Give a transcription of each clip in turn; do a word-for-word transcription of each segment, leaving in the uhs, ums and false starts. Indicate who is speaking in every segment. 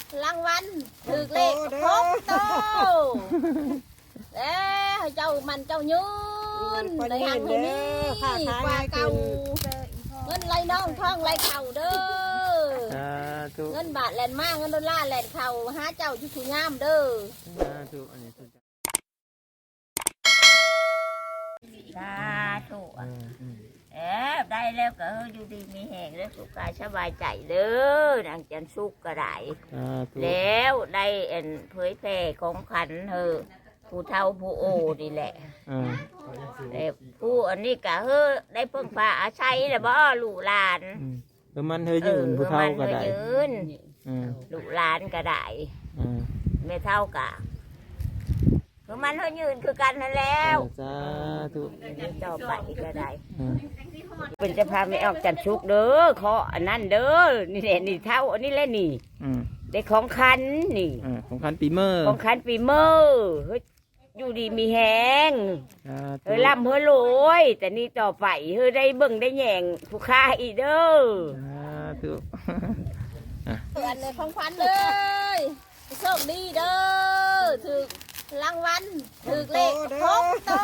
Speaker 1: รางวัลถือเลขครบโตแล้วเจ้ามันเจ้ายืนในหังให้นี่กว่าเก่าเงินไหลน้องท้องไหลเข่าเด้อเงินบาทแลนมากเงินดอลลาร์แลนเข่าหาเจ้าจุสุยามเด้อสาธุเอ๊ะได้แล้วก็อยู่ดีมีแห่งแล้วสุขกายสบายใจเด้อนางจันสุกก็ได้แล้วได้เอ็นเผยแพร่ของขันเธอผู้เฒ่าผู้โอนี่แหละแต่ผู้อันนี้ก็เฮ้ได้เพิ่งพาอาศัยแล้วบ่ลูกหลาน
Speaker 2: เออมันเธอยืนผู้เฒ่าก็ได้
Speaker 1: ยืนลูกหลานก็ได้ไม่เท่ากันคือมันเธอยืนคือกันนั่นแล้ว
Speaker 2: สาธุ
Speaker 1: ต่อไปก็ได้เป็นจะพาไม่ออกจันชุกเด้อขออันนั้นเด้อนี่แหละนี่เท่าอันนี้แหละนี่ได้ของคันนี่
Speaker 2: ของคันปีเมอร์
Speaker 1: ของคันปีเมอร์เฮ้ยอยู่ดีมีแหงเฮ้ยล่ำเฮ้ยรวยแต่นี่ต่อไปเฮ้ยได้เบิ่งได้แยงผู้ค้าอีเด้อ
Speaker 2: ถูก
Speaker 1: อันในของคันเลยโชคดีเด้อถือรางวัลถือเลขครบโต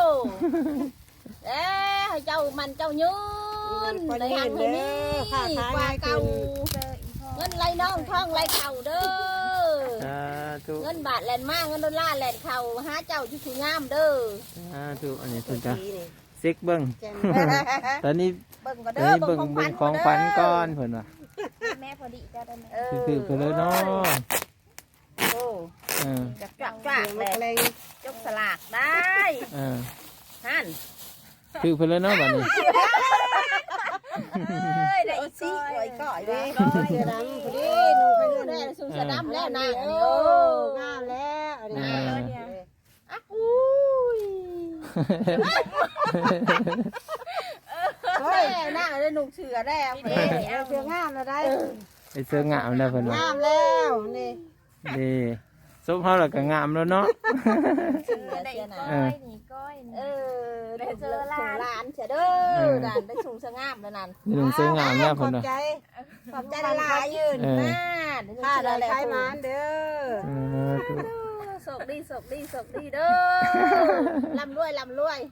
Speaker 1: แล้วเจ้ามันเจ้ายืนในหังให้นี่กว่าเก่าเงินไหลน้องท้องไหลเข่าเด้อเงินบาทแลนมากเงินดอลลาร์แลนเข่าหาเจ้าจุสุยามเด้อ
Speaker 2: ถูกอันนี้ถูกจ้ะเซ็กเบิ้งตอนนี้เบิ้งก็เด้อเบิ้งของขวัญก้อนเพิ่นว่ะ
Speaker 1: แม่พอดีจ้ะได้ไหม
Speaker 2: คือคือเลยเนาะ
Speaker 1: โอ้จักจักจักเลยจกสลากได้ฮั่น
Speaker 2: คือเพิ่นเลยเนาะบัดนี้
Speaker 1: ได้สิไว้ก่อยเด้อเสือดำพอดีหนูไปดูได้สูงเสือดำแล้วนะโอ้งามแล้วอันนี้อ่ะอุ้ยเฮ้ยหน้าได้หนุ่มเสือแล้วเสืองามแล้วได้
Speaker 2: ไอเสืองามแล้วเพิ่น
Speaker 1: งามแล้วนี่
Speaker 2: นี่ซุปเฮาแล้วก็งามแล้วเนาะ
Speaker 1: เสือได้ก้อยนี่ก้อยเออได้เจอหลานหลานเฉยเด้อหลานได้สูงเสืองามแล้วนั่น
Speaker 2: นี่ลุงเสืองามแล้วเพิ่นน่ะ
Speaker 1: ขอบใจหลายยืนหน้าข้าได้ใช้มันเด้อโศกดีโศกดีโศกดีเด้อลำรวยลำรวย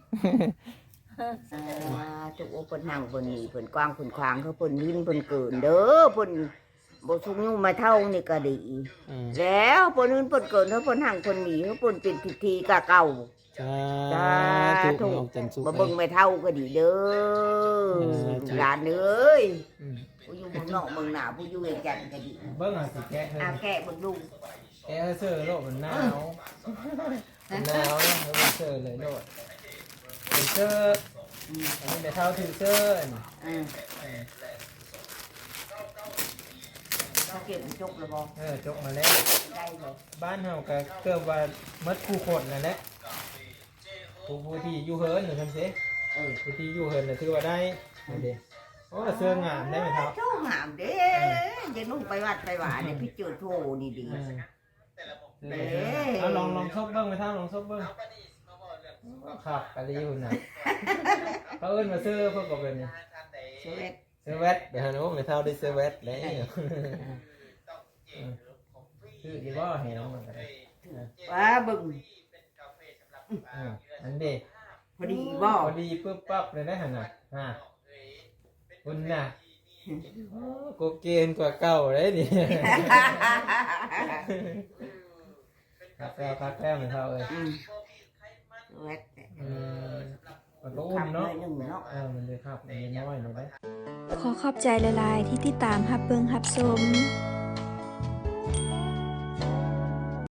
Speaker 1: จุกเพิ่นนั่งเพิ่นนี่เพิ่นกว้างเพิ่นขวางเขาเพิ่นยิ้มเพิ่นเกินเด้อเพิ่นบ่ชุกยุ่งมาเท่านี่ก็ดีแล้วเพิ่นอื่นเพิ่นเกินเขาเพิ่นห่างเพิ่นหนีเขาเพิ่นเป็นพิธีกะเก่า
Speaker 2: จ้าถูก
Speaker 1: บ่เบิ่งไม่เท่าก็ดีเด้อหลานเอ้ยผู้อยู่เมืองนอกเมืองหน้าผู้อยู่เวียงจันทน์ก็ดี
Speaker 2: เบิ่งอ่ะสิแกะ
Speaker 1: อ่ะแกะเบิ่งดู
Speaker 2: แกะเสื้อโลกมันหนาวมันหนาวแล้วมันเสื้อเลยโลดเป็นเสื้ออันนี้ไม่เท่าถือเสื้ออือ
Speaker 1: เขาเก็บจกแล้วบ่
Speaker 2: เออจกมาแล้ว
Speaker 1: ได้เลย
Speaker 2: บ้านเฮาก็เกือบว่ามัดคู่คนนั่นแหละผู้ผู้ที่อยู่เฮิร์นหรือทำเสเออผู้ที่อยู่เฮิร์นน่ะถือว่าได้เด้โอ้เสื้องามได้ไหมครับ
Speaker 1: เสื้องามเด้จะนุ่งไปวัดไปหวานเนี่ยพี่เจอโทนี่ดี
Speaker 2: เด้เอาลองลองซบเบิ้งไปท่าลองซบเบิ้งครับกะลีหุ่นน่ะเขาเอิ้นมาซื้อพวกกับเป็น
Speaker 1: เสื้อเวท
Speaker 2: เสื้อเวทเดี๋ยวหนูไม่เท่าได้เสื้อเวทเลยคือดีว่าเห็นน้องมันกัน
Speaker 1: ว้าบึ้ง
Speaker 2: อันเด็ก
Speaker 1: พอดีบ่
Speaker 2: พอดีปึ๊บปั๊บเลยได้ขนาดฮะคุณน่ะโกเกนกว่าเก่าเลยดิพักแล้วพักแล้วเหมือนเท่าเลย
Speaker 1: เวท
Speaker 2: มันก็อุ่นเนาะเออมันเลยครับมันน้อยหน่อยได้
Speaker 3: ขอขอบใจหลายๆที่ติดตามฮับเบิงฮับชม